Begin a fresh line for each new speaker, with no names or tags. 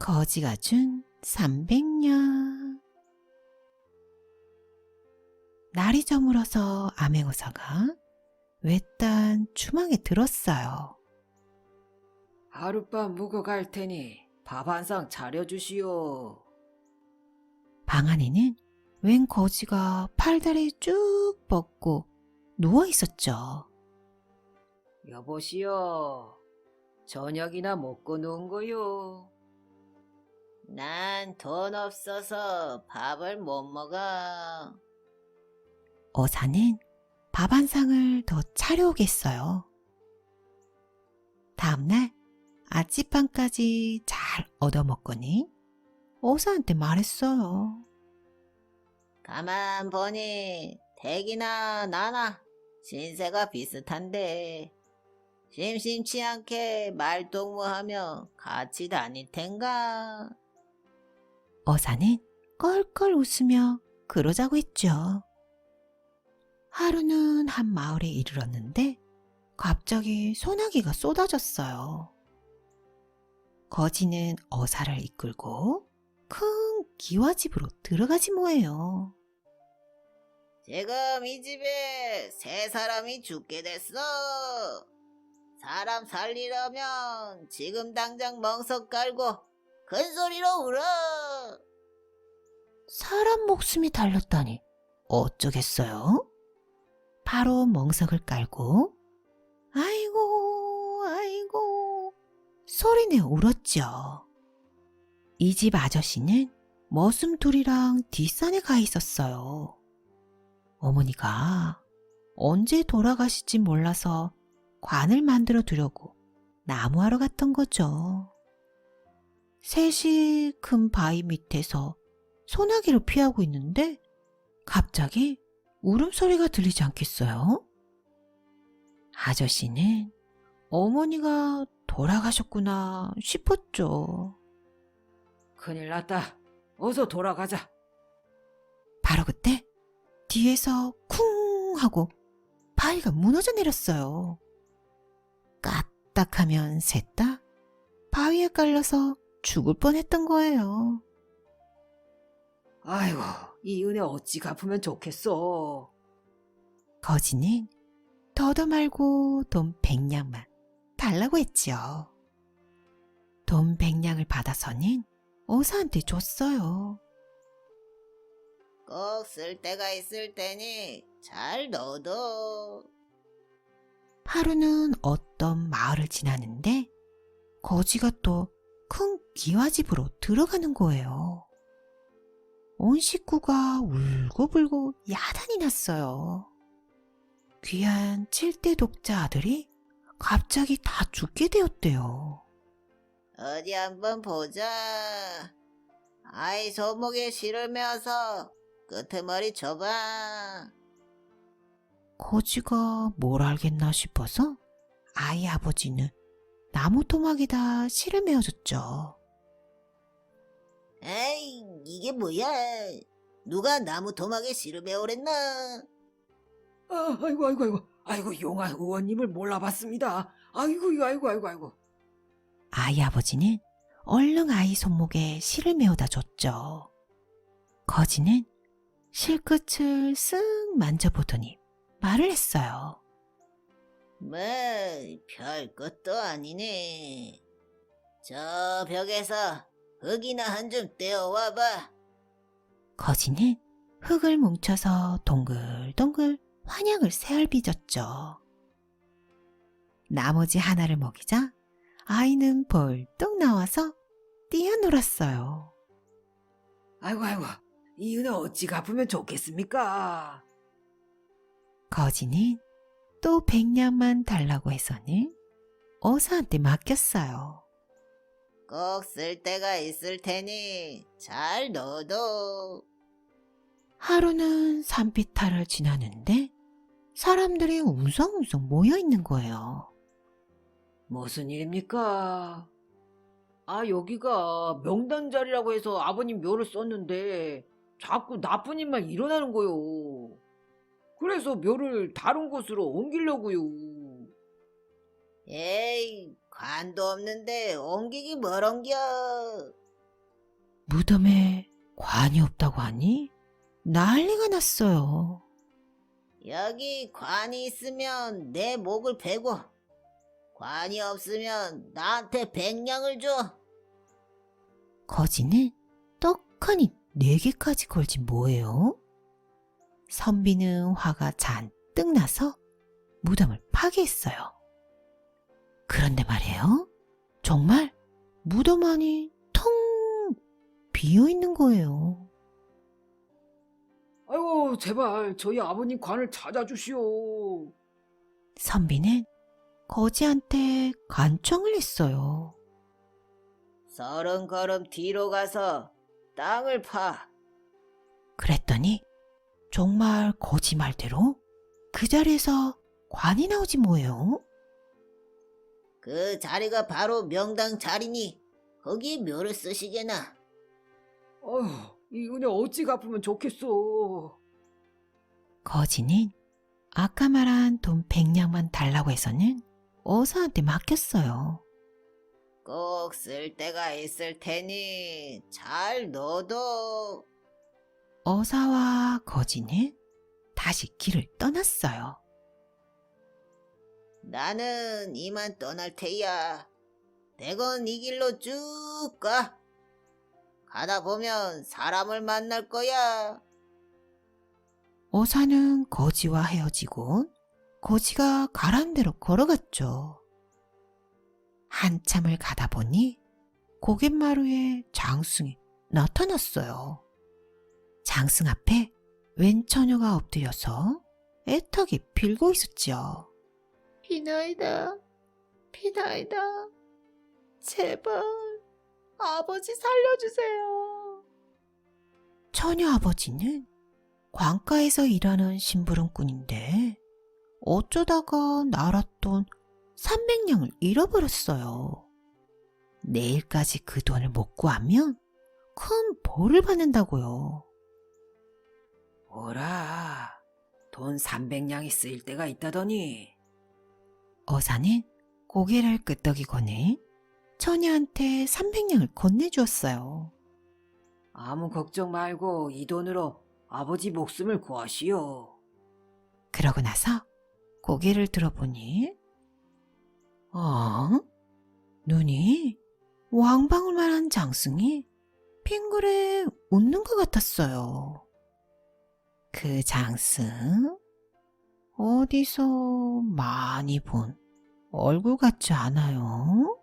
거지가 준 300냥. 날이 저물어서 암행어사가 외딴 주방에 들었어요.
하룻밤 묵어 갈 테니 밥 한 상 차려주시오.
방 안에는 웬 거지가 팔다리 쭉 뻗고 누워 있었죠.
여보시오. 저녁이나 먹고 누운 거요. 난 돈 없어서 밥을 못 먹어.
어사는 밥 한 상을 더 차려오겠어요. 다음날 아침밥까지 잘 얻어먹거니 어사한테 말했어요.
가만 보니 댁이나 나나 신세가 비슷한데 심심치 않게 말동무하며 같이 다닐 텐가?
어사는 껄껄 웃으며 그러자고 했죠. 하루는 한 마을에 이르렀는데 갑자기 소나기가 쏟아졌어요. 거지는 어사를 이끌고 큰 기와집으로 들어가지 뭐예요.
지금 이 집에 세 사람이 죽게 됐어. 사람 살리려면 지금 당장 멍석 깔고 큰 소리로 울어.
사람 목숨이 달렸다니 어쩌겠어요? 바로 멍석을 깔고 아이고 아이고 소리내어 울었죠. 이 집 아저씨는 머슴둘이랑 뒷산에 가 있었어요. 어머니가 언제 돌아가실지 몰라서 관을 만들어 두려고 나무하러 갔던 거죠. 셋이 큰 바위 밑에서 소나기를 피하고 있는데 갑자기 울음소리가 들리지 않겠어요? 아저씨는 어머니가 돌아가셨구나 싶었죠.
큰일 났다. 어서 돌아가자.
바로 그때 뒤에서 쿵 하고 바위가 무너져 내렸어요. 까딱하면 셋 다 바위에 깔려서 죽을 뻔했던 거예요.
아이고, 이 은혜 어찌 갚으면 좋겠어.
거지는 더도 말고 돈 100냥만 달라고 했지요. 돈 100냥을 받아서는 어사한테 줬어요.
꼭 쓸 때가 있을 테니 잘 넣어둬.
하루는 어떤 마을을 지나는데 거지가 또 큰 기와집으로 들어가는 거예요. 온 식구가 울고불고 야단이 났어요. 귀한 7대 독자 아들이 갑자기 다 죽게 되었대요.
어디 한번 보자. 아이 손목에 실을 메어서 끄트머리 줘봐.
거지가 뭘 알겠나 싶어서 아이 아버지는 나무 토막에다 실을 메어줬죠.
에이, 이게 뭐야? 누가 나무 토막에 실을 메오랬나? 아이고, 용한 의원님을 몰라봤습니다. 아이고.
아이 아버지는 얼른 아이 손목에 실을 메어다 줬죠. 거지는 실끝을 쓱 만져보더니 말을 했어요.
뭐, 별 것도 아니네. 저 벽에서 흙이나 한 줌 떼어와봐.
거지는 흙을 뭉쳐서 동글동글 환약을 새알빚었죠. 나머지 하나를 먹이자 아이는 벌떡 나와서 뛰어놀았어요.
아이고, 이 은혜 어찌 갚으면 좋겠습니까?
거지는 또 100냥만 달라고 해서는 어사한테 맡겼어요.
꼭 쓸 때가 있을 테니 잘 넣어둬.
하루는 산비탈을 지나는데 사람들이 웅성웅성 모여 있는 거예요.
무슨 일입니까? 아, 여기가 명당 자리라고 해서 아버님 묘를 썼는데 자꾸 나쁜 일만 일어나는 거요. 그래서 묘를 다른 곳으로 옮기려고요. 에이, 관도 없는데 옮기기 뭘 옮겨.
무덤에 관이 없다고 하니 난리가 났어요.
여기 관이 있으면 내 목을 베고, 관이 없으면 나한테 100냥을 줘.
거지는 떡하니 4개까지 걸지 뭐예요? 선비는 화가 잔뜩 나서 무덤을 파괴했어요. 그런데 말이에요. 정말 무덤 안이 텅 비어 있는 거예요.
아이고, 제발 저희 아버님 관을 찾아주시오.
선비는 거지한테 간청을 했어요.
30걸음 뒤로 가서 땅을 파.
그랬더니 정말 거지 말대로 그 자리에서 관이 나오지 뭐예요.
그 자리가 바로 명당 자리니 거기에 묘를 쓰시게나.
어휴, 이 은혜 어찌 갚으면 좋겠소.
거지는 아까 말한 돈 100냥만 달라고 해서는 어사한테 맡겼어요.
꼭 쓸 때가 있을 테니 잘 넣어둬.
어사와 거지는 다시 길을 떠났어요.
나는 이만 떠날 테야. 대건 이 길로 쭉 가. 가다 보면 사람을 만날 거야.
어사는 거지와 헤어지고 거지가 가란 대로 걸어갔죠. 한참을 가다 보니 고갯마루에 장승이 나타났어요. 장승 앞에 웬 처녀가 엎드려서 애타게 빌고 있었죠.
피나이다, 피나이다. 제발 아버지 살려주세요.
처녀 아버지는 관가에서 일하는 심부름꾼인데 어쩌다가 날았돈 300냥을 잃어버렸어요. 내일까지 그 돈을 못 구하면 큰 벌을 받는다고요.
오라, 돈 300냥이 쓰일 때가 있다더니.
어사는 고개를 끄덕이고는 처녀한테 300냥을 건네주었어요.
아무 걱정 말고 이 돈으로 아버지 목숨을 구하시오.
그러고 나서 고개를 들어보니 눈이 왕방울만한 장승이 빙그레 웃는 것 같았어요. 그 장승 어디서 많이 본 얼굴 같지 않아요?